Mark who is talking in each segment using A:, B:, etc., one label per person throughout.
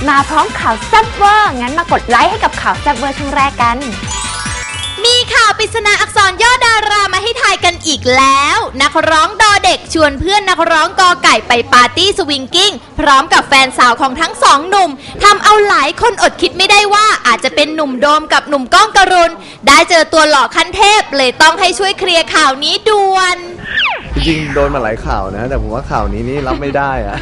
A: มาพร้อมข่าวแซ่บเวอร์งั้นมากดไลค์ให้กับข่าวแซ่บเวอร์ช่วงแรกกัน
B: มีข่าวปริศนาอักษรย่อดารามาให้ทายกันอีกแล้วนักร้องดอเด็กชวนเพื่อนนักร้องกอไก่ไปปาร์ตี้สวิงกิ้งพร้อมกับแฟนสาวของทั้งสองหนุ่มทำเอาหลายคนอดคิดไม่ได้ว่าอาจจะเป็นหนุ่มโดมกับหนุ่มก้องกรุณได้เจอตัวหล่อขั้นเทพเลยต้องให้ช่วยเคลียร์ข่าวนี้ด่วน
C: จริงโดนมาหลายข่าวนะแต่ผมว่าข่าวนี้นี่รับไม่ได้อะ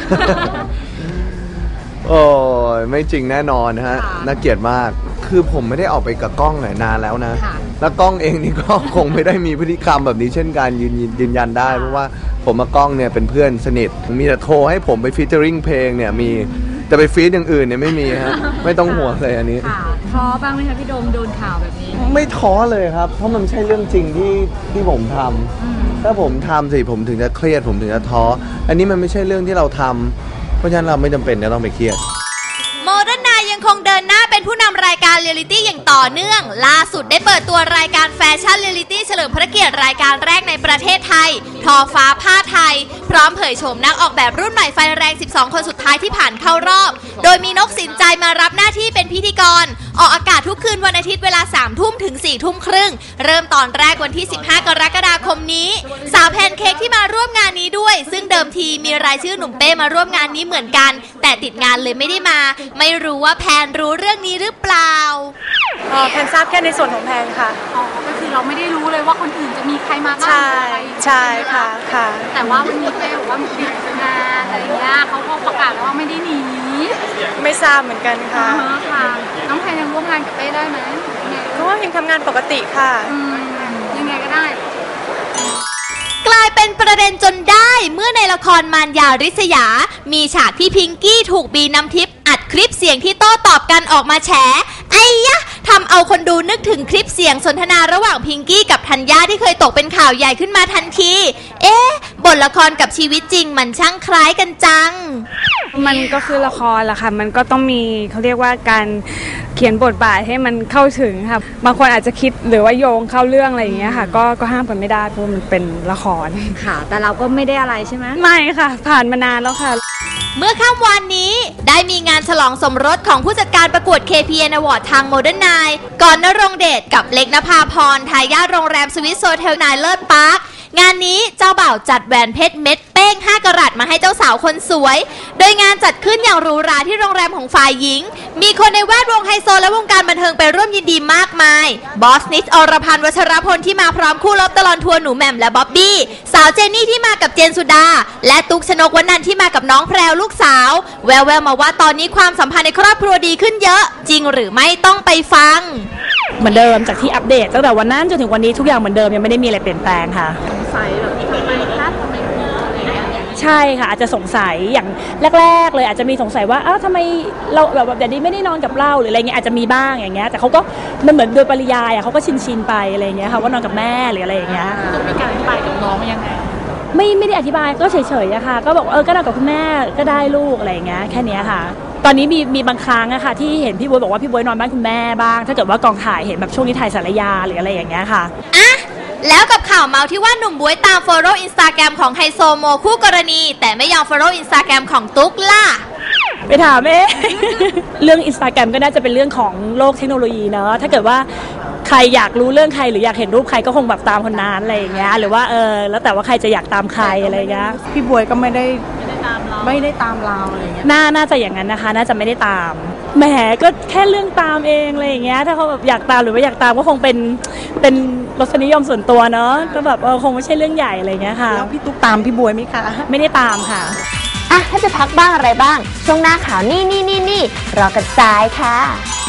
C: โอ้ยไม่จริงแน่นอนนะฮะน่าเกลียดมากคือผมไม่ได้ออกไปกับกล้องนานแล้วนะแล้วกล้องเองนี่ก็คงไม่ได้มีพฤติกรรมแบบนี้เช่นกันยืนยันได้เพราะว่าผมกับกล้องเนี่ยเป็นเพื่อนสนิทมีแต่โทรให้ผมไปฟีเจอริ่งเพลงเนี่ยมีแต่ไปฟีดอย่างอื่นเนี่ยไม่มีฮะไม่ต้องห่วงเลยอันนี้
D: ท้อบ้างไหมคะพี่โดมโดนข่าวแบบนี้
C: ไม่ท้อเลยครับเพราะมันไม่ใช่เรื่องจริงที่ผมทำถ้าผมทำสิผมถึงจะเครียดผมถึงจะท้ออันนี้มันไม่ใช่เรื่องที่เราทำเพราะฉะนั้นเราไม่จำเป็นจะต้องไปเครียด
B: โมเดิร์นไนน์ยังคงเดินหน้าเป็นผู้นำรายการเรียลลิตี้อย่างต่อเนื่องล่าสุดได้เปิดตัวรายการแฟชั่นเรียลลิตี้เฉลิมพระเกียรติรายการแรกในประเทศไทยทอฟ้าผ้าไทยพร้อมเผยโฉมนักออกแบบรุ่นใหม่ไฟแรง12คนสุดท้ายที่ผ่านเข้ารอบโดยมีนกสินใจมารับหน้าที่เป็นพิธีกรออกอากาศทุกคืนวันอาทิตย์เวลา 3 ทุ่มถึง 4 ทุ่มครึ่งเริ่มตอนแรกวันที่15 กรกฎาคมนี้สาวแพนเค้กที่มาร่วมงานนี้ด้วยซึ่งเดิมทีมีรายชื่อหนุ่มเป้มาร่วมงานนี้เหมือนกันแต่ติดงานเลยไม่ได้มาไม่รู้ว่าแพนรู้เรื่องนี้หรือเปล่า
D: แพนทราบแค่ในส่วนของแพนค่ะก็คือเราไม่ได้รู้เลยว่าคนอื่นจะมีใครมาบ้างใช่ค่ะแต่ว่าวันนี้เป้บอกว่ามีงานอะไรเงี้ยเขาก็ประกาศแล้วว่าไม่ได้หนีไม่ทราบเหมือนกันค่ะน้องแพนยังร่วมงานกับเป้ได้ไหมก็ยังทำงานปกติค่ะยังไงก็ได้
B: กลายเป็นประเด็นจนได้เมื่อในละครมารยาริษยามีฉากที่พิงกี้ถูกบีน้ำทิพย์อัดคลิปเสียงที่โต้ตอบกันออกมาแฉไอ้ยะทำเอาคนดูนึกถึงคลิปเสียงสนทนาระหว่างพิงกี้กับธัญญาที่เคยตกเป็นข่าวใหญ่ขึ้นมาทันทีบทละครกับชีวิตจริงมันช่างคล้ายกันจัง
D: มันก็คือละครแหละค่ะมันก็ต้องมีเขาเรียกว่าการเขียนบทบาทให้มันเข้าถึงค่ะบางคนอาจจะคิดหรือว่าโยงเข้าเรื่องอะไรอย่างเงี้ยค่ะก็ห้ามกันไม่ได้เพราะมันเป็นละคร
A: ค่ะแต่เราก็ไม่ได้อะไรใช่ไหม
D: ไม่ค่ะผ่านมานานแล้วค่ะ
B: เมื่อค่ำวานนี้ได้มีงานฉลองสมรสของผู้จัดการประกวด KPN Award ทาง Modern Nine ก่อนณรงค์เดชกับเล็กนภาพรทายาทโรงแรมสวิสโซเทลนายเลิศพาร์คงานนี้เจ้าบ่าวจัดแหวนเพชรเม็ดเป้ง5 กะรัตมาให้เจ้าสาวคนสวยโดยงานจัดขึ้นอย่างหรูหราที่โรงแรมของฝ่ายหญิงมีคนในแวดวงไฮโซและวงการบันเทิงไปร่วมยินดีมากมายบอสนิชอรพันธ์วัชรพลที่มาพร้อมคู่รบตลอดทัวร์หนูแหม่มและบ๊อบบี้สาวเจนนี่ที่มากับเจนสุดาและตุ๊กชนกวรรณันท์ที่มากับน้องแพรวลูกสาวแววๆมาว่าตอนนี้ความสัมพันธ์ในครอบครัวดีขึ้นเยอะจริงหรือไม่ต้องไปฟัง
D: เหมือนเดิมจากที่อัปเดตตั้งแต่วันนั้นจนถึงวันนี้ทุกอย่างเหมือนเดิมยังไม่ได้มีอะไรเปลี่ยนแปลงค่ะสงสัยแบบทำไมคะทำไมอะไรอย่างเงี้ยใช่ค่ะอาจจะสงสัยอย่างแรกๆเลยอาจจะมีสงสัยว่าทำไมเราแบบเดี๋ยวนี้ไม่ได้นอนกับเราหรืออะไรเงี้ยอาจจะมีบ้างอย่างเงี้ยแต่เขาก็มันเหมือนโดยปริยายเขาก็ชินไปอะไรเงี้ยค่ะว่านอนกับแม่หรืออะไรอย่างเงี้ยต้องมีการอธิบายกับน้องยังไงไม่ได้อธิบายก็เฉยๆอะค่ะก็บอกก็นอนกับคุณแม่ก็ได้ลูกอะไรอย่างเงี้ยแค่นี้ค่ะตอนนี้มีบางครั้งอะค่ะที่เห็นพี่บ๊วยบอกว่าพี่บ๊วยนอนบ้านคุณแม่บ้างถ้าเกิดว่ากองถ่ายเห็นแบบช่วงนี้ถ่ายสารยาหรืออะไรอย่างเงี้ยค่ะ
B: แล้วกับข่าวเมาที่ว่าหนุ่มบ๊วยตาม follow Instagram ของไฮโซโมคู่กรณีแต่ไม่ยอม follow Instagram ของตุ๊กล่ะ
D: ไปถามเรื่อง Instagram ก็น่าจะเป็นเรื่องของโลกเทคโนโลยีเนอะถ้าเกิดว่าใครอยากรู้เรื่องใครหรืออยากเห็นรูปใครก็คงแบบตามคนนั้นอะไรอย่างเงี้ยหรือว่าแล้วแต่ว่าใครจะอยากตามใครอะไรเงี้ยพี่บ๊วยก็ไม่ได้ตามเราอะไรเงี้ยน่าจะอย่างนั้นนะคะน่าจะไม่ได้ตามแหมก็แค่เรื่องตามเองอะไรอย่างเงี้ยถ้าเขาแบบอยากตามหรือว่าอยากตามก็คงเป็นรสนิยมส่วนตัวเนาะก็แบบคงไม่ใช่เรื่องใหญ่อะไรเงี้ยค่ะแล้วพี่ตุ๊กตามพี่บ๊วยไหมคะไม่ได้ตามค่ะ
A: ถ้าจะพักบ้างอะไรบ้างช่วงหน้าข่าวนี่รอกันซ้ายค่ะ